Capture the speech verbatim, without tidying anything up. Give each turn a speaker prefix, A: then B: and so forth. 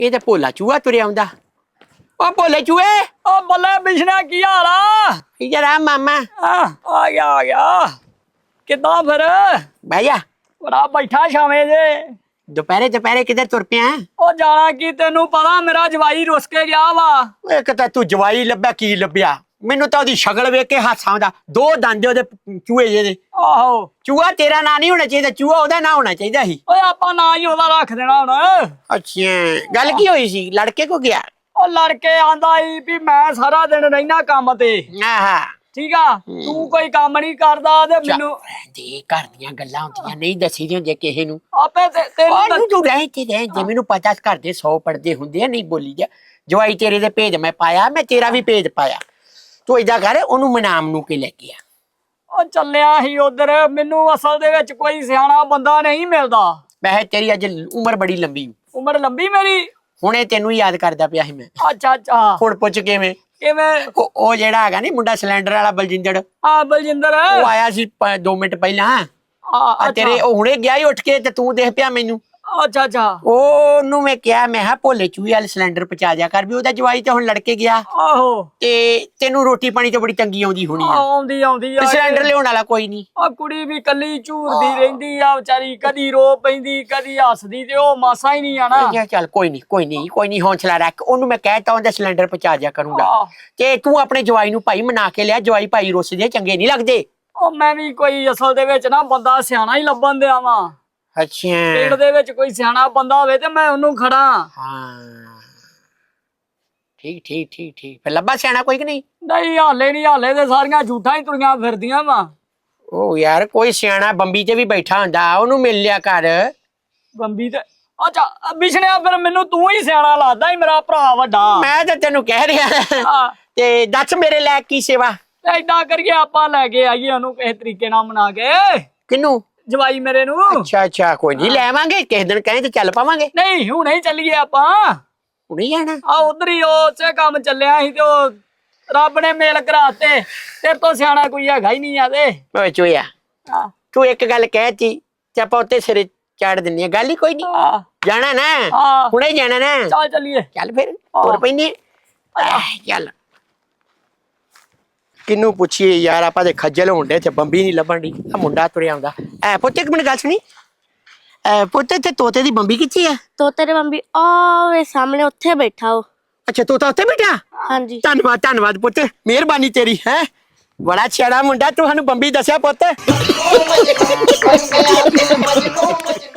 A: ਇਹ ਤੇ ਭੋਲਾ ਚੂਹਾ ਤੁਰਿਆ ਆਉਂਦਾ। ਉਹ ਭੋਲੇ ਚੂਹੇ,
B: ਉਹ ਬੱਲੇ ਬਿਸ਼ਨਾ ਕੀ ਹਾਲ ਆ?
A: ਇੱਧਰ ਆ ਮਾਮਾ।
B: ਆ ਆ ਗਿਆ ਆ ਗਿਆ। ਕਿੱਦਾਂ ਫਿਰ?
A: ਬਹਿ ਜਾ।
B: ਬੜਾ ਬੈਠਾ ਛਾਵੇਂ ਜੇ।
A: ਦੁਪਹਿਰੇ ਦੁਪਹਿਰੇ ਕਿੱਧਰ ਤੁਰ ਪਿਆ?
B: ਉਹ ਜਾਣਾ ਕੀ, ਤੈਨੂੰ ਪਤਾ ਮੇਰਾ ਜਵਾਈ ਰੁੱਸ ਕੇ ਗਿਆ ਵਾ।
A: ਇੱਕ ਤਾਂ ਤੂੰ ਜਵਾਈ ਲੱਭਿਆ, ਕੀ ਲੱਭਿਆ? ਮੈਨੂੰ ਤਾਂ ਉਹਦੀ ਸ਼ਕਲ ਵੇਖ ਕੇ ਹੱਸ ਆਉਂਦਾ। ਦੋ ਦੰਦ ਉਹਦੇ ਚੂਹੇ ਜਿਹੇ ਦੇ।
B: ਆਹੋ
A: ਚੂਹਾ ਤੇਰਾ ਨਾਂ ਨਹੀਂ ਹੋਣਾ ਚਾਹੀਦਾ, ਚੂਹਾ ਉਹਦਾ ਨਾਂ ਹੋਣਾ ਚਾਹੀਦਾ ਸੀ।
B: ਓਏ ਆਪਾਂ ਨਾ ਹੀ ਉਹਦਾ ਰੱਖ ਦੇਣਾ ਹੁਣ।
A: ਅੱਛਾ, ਗੱਲ ਕੀ ਹੋਈ ਸੀ? ਲੜਕੇ ਕੋ ਗਿਆ?
B: ਉਹ ਲੜਕੇ ਆਂਦਾ ਈ ਵੀ ਮੈਂ ਸਾਰਾ ਦਿਨ ਰਹਿਣਾ ਕੰਮ ਤੇ,
A: ਆਹਾ,
B: ਠੀਕ ਆ, ਤੂੰ ਕੋਈ ਕੰਮ ਨਹੀਂ ਕਰਦਾ ਤੇ ਮੈਨੂੰ
A: ਦੇ ਘਰ ਦੀਆਂ ਗੱਲਾਂ ਹੁੰਦੀਆਂ ਨਹੀਂ ਦੱਸੀ ਦੀਆਂ ਹੁੰਦੀਆਂ ਕਿਸੇ ਨੂੰ।
B: ਆਪੇ ਤੇ- ਤੈਨੂੰ
A: ਉਹਨੂੰ ਤੂੰ ਰਹਿ ਤੇ ਰਹਿ ਜੇ, ਮੈਨੂੰ ਪਤਾ ਘਰ ਦੇ ਸੌ ਪੜਦੇ ਹੁੰਦੇ ਆ, ਨਹੀਂ ਬੋਲੀ ਜਾ। ਜਵਾਈ ਤੇਰੇ ਦੇ ਭੇਜ ਮੈਂ ਪਾਇਆ, ਮੈਂ ਤੇਰਾ ਵੀ ਭੇਜ ਪਾਇਆ। ਤੂੰ ਏਦਾਂ ਕਰ, ਉਹਨੂੰ ਮਨਾਮ ਨੂੰ ਕੇ ਲੈ ਗਿਆ।
B: ਉਹ ਚੱਲਿਆ ਸੀ ਉਧਰ। ਮੈਨੂੰ ਅਸਲ ਦੇ ਵਿੱਚ ਕੋਈ ਸਿਆਣਾ ਬੰਦਾ ਨਹੀਂ ਮਿਲਦਾ।
A: ਵੈਸੇ ਤੇਰੀ ਅੱਜ ਉਮਰ ਬੜੀ ਲੰਬੀ,
B: ਉਮਰ ਲੰਬੀ ਮੇਰੀ।
A: ਹੁਣੇ ਤੈਨੂੰ ਯਾਦ ਕਰਦਾ ਪਿਆ ਸੀ ਮੈਂ।
B: ਅੱਛਾ ਅੱਛਾ।
A: ਹੁਣ ਪੁੱਛ ਕਿਵੇਂ?
B: ਕਿਵੇਂ?
A: ਉਹ ਉਹ ਜਿਹੜਾ ਹੈਗਾ ਨੀ ਮੁੰਡਾ ਸਿਲੰਡਰ ਵਾਲਾ ਬਲਜਿੰਦਰ,
B: ਆ ਬਲਜਿੰਦਰ।
A: ਉਹ ਆਇਆ ਸੀ ਪ- ਦੋ ਮਿੰਟ ਪਹਿਲਾਂ।
B: ਆ
A: ਆ ਤੇਰੇ ਉਹ ਹੁਣੇ ਗਿਆ ਹੀ ਉੱਠ ਕੇ, ਤੇ ਤੂੰ ਦੇਖ ਪਿਆ ਮੈਨੂੰ।
B: ਅੱਛਾ ਅੱਛਾ।
A: ਉਹਨੂੰ ਮੈਂ ਕਿਹਾ, ਮੈਂ ਕਿਹਾ ਭੋਲੇ ਚੂਹੇ ਵਾਲੇ ਸਿਲੰਡਰ ਪਹੁੰਚਾ ਦਿਆ ਕਰ, ਵੀ ਉਹਦਾ ਜਵਾਈ ਤੇ ਹੁਣ ਲੜਕੇ ਗਿਆ
B: ਆਹੋ।
A: ਤੇ ਤੈਨੂੰ ਰੋਟੀ ਪਾਣੀ ਤੋਂ ਬੜੀ ਤੰਗੀ ਆਉਂਦੀ ਹੋਣੀ ਆ।
B: ਆਉਂਦੀ ਆਉਂਦੀ
A: ਤੇ
B: ਆ।
A: ਸਿਲੰਡਰ ਲਿਆਉਣ ਵਾਲਾ ਕੋਈ ਨਹੀਂ।
B: ਆ ਕੁੜੀ ਵੀ ਕੱਲੀ ਝੂਰਦੀ ਰਹਿੰਦੀ ਆ ਵਿਚਾਰੀ, ਕਦੀ ਰੋ ਪੈਂਦੀ ਕਦੀ ਹੱਸਦੀ, ਤੇ ਉਹ ਮਾਸਾ ਹੀ ਨਹੀਂ ਆਣਾ।
A: ਕਿਹਾ ਚੱਲ ਕੋਈ ਨਹੀਂ ਕੋਈ ਨਹੀਂ ਕੋਈ ਨਹੀਂ, ਹੌਸਲਾ ਰੱਖ। ਉਹਨੂੰ ਮੈਂ ਕਹਿਤਾ ਉਹਦਾ ਸਿਲੰਡਰ ਪਹੁੰਚਾ ਦਿਆ ਕਰੂੰਗਾ।
B: ਆਹ,
A: ਤੇ ਤੂੰ ਆਪਣੇ ਜਵਾਈ ਨੂੰ ਭਾਈ ਮਨਾ ਕੇ ਲਿਆ। ਜਵਾਈ ਭਾਈ ਰੁੱਸਦੇ ਚੰਗੇ ਨਹੀਂ ਲੱਗਦੇ।
B: ਉਹ ਮੈਂ ਵੀ ਕੋਈ ਅਸਲ ਦੇ ਵਿੱਚ ਨਾ ਬੰਦਾ ਸਿਆਣਾ ਹੀ ਲੱਭਣ ਦਿਆ ਵਾਂ।
A: ਅੱਛਾ,
B: ਪਿੰਡ ਦੇ ਵਿੱਚ ਕੋਈ ਸਿਆਣਾ ਬੰਦਾ ਹੋਵੇ ਤੇ ਮੈਂ ਉਹਨੂੰ ਖੜਾ।
A: ਹਾਂ, ਠੀਕ ਠੀਕ ਠੀਕ ਠੀਕ। ਫਿਰ ਲੱਭਾ ਸਿਆਣਾ ਕੋਈ ਕਿ ਨਹੀਂ?
B: ਨਹੀਂ ਹਾਲੇ ਨਹੀਂ, ਹਾਲੇ ਤੇ ਸਾਰੀਆਂ ਝੂਠਾਂ ਹੀ ਤੁਰੀਆਂ ਫਿਰਦੀਆਂ ਵਾ।
A: ਉਹ ਯਾਰ ਕੋਈ ਸਿਆਣਾ ਬੰਬੀ ਤੇ ਵੀ ਬੈਠਾ ਹੁੰਦਾ, ਉਹਨੂੰ ਮਿਲ ਲਿਆ ਕਰ।
B: ਬੰਬੀ ਤੇ ਅੱਛਾ ਬਿਸ਼ਨਿਆ, ਫਿਰ ਮੈਨੂੰ ਤੂੰ ਹੀ ਸਿਆਣਾ ਲੱਗਦਾ ਈ, ਮੇਰਾ ਭਰਾ ਵੱਡਾ।
A: ਮੈਂ ਤਾਂ ਤੈਨੂੰ ਕਹਿ ਰਿਹਾ।
B: ਹਾਂ,
A: ਤੇ ਦੱਸ ਮੇਰੇ ਲੈ ਕੀ ਸੇਵਾ?
B: ਤੇ ਏਦਾਂ ਕਰੀਏ ਆਪਾਂ ਲੈ ਕੇ ਆਈਏ ਉਹਨੂੰ ਕਿਸੇ ਤਰੀਕੇ ਨਾਲ ਮਨਾ ਕੇ,
A: ਕਿਨੂੰ?
B: ਜਵਾਈ ਮੇਰੇ ਨੂੰ।
A: ਅੱਛਾ ਅੱਛਾ, ਕੋਈ ਨਹੀਂ ਲੈ ਆਵਾਂਗੇ ਕਿਸੇ ਦਿਨ, ਕਹੇ ਤੇ ਚੱਲ ਪਾਵਾਂਗੇ।
B: ਨਹੀਂ ਹੁਣੇ ਹੀ ਚੱਲੀਏ ਆਪਾਂ।
A: ਹੁਣੇ ਜਾਣਾ?
B: ਆ ਉਧਰ ਹੀ ਉਸੇ ਕੰਮ ਚੱਲਿਆ ਸੀ ਤੇ ਉਹ ਰੱਬ ਨੇ ਮੇਲ ਕਰਾਤੇ। ਤੇਰੇ ਤੋਂ ਸਿਆਣਾ ਕੋਈ ਹੈਗਾ ਹੀ ਨਹੀਂ ਆ ਤੇ।
A: ਓਏ ਚੋਇਆ,
B: ਹਾਂ
A: ਤੂੰ ਇੱਕ ਗੱਲ ਕਹਿਤੀ ਤੇ ਆਪਾਂ ਉੱਤੇ ਸਿਰੇ ਚਾੜ ਦਿੰਨੀ ਆ, ਗੱਲ ਹੀ ਕੋਈ ਨਹੀਂ।
B: ਹਾਂ
A: ਜਾਣਾ ਨਾ?
B: ਹਾਂ,
A: ਹੁਣੇ ਜਾਣਾ ਨਾ?
B: ਚੱਲ ਚੱਲੀਏ।
A: ਚੱਲ ਫਿਰ ਤੁਰ ਪੈਨੇ। ਚੱਲ ਕਿਨੂੰ ਪੁੱਛੀਏ ਯਾਰ, ਆਪਾਂ ਦੇ ਖੱਜਲ ਹੋਣ ਤੇ ਬੰਬੀ ਨਹੀਂ ਲੱਭਣ ਦੀ। ਆ ਮੁੰਡਾ ਤੁਰਿਆ ਆਉਂਦਾ। ਐ ਪੁੱਤ ਇੱਕ ਮਿੰਟ ਗੱਲ ਸੁਣੀ। ਐ ਪੁੱਤ ਤੇ ਤੋਤੇ ਦੀ ਬੰਬੀ ਕਿੱਥੇ ਆ?
C: ਤੋਤੇ ਦੇ ਬੰਬੀ ਆਵੇ ਸਾਹਮਣੇ ਉੱਥੇ ਬੈਠਾ ਉਹ।
A: ਅੱਛਾ ਤੋਤਾ ਉੱਥੇ ਬੈਠਾ?
C: ਹਾਂਜੀ।
A: ਧੰਨਵਾਦ ਧੰਨਵਾਦ ਪੁੱਤ, ਮਿਹਰਬਾਨੀ ਤੇਰੀ। ਹੈ ਬੜਾ ਛੇੜਾ ਮੁੰਡਾ, ਤੂੰ ਸਾਨੂੰ ਬੰਬੀ ਦੱਸਿਆ ਪੁੱਤ।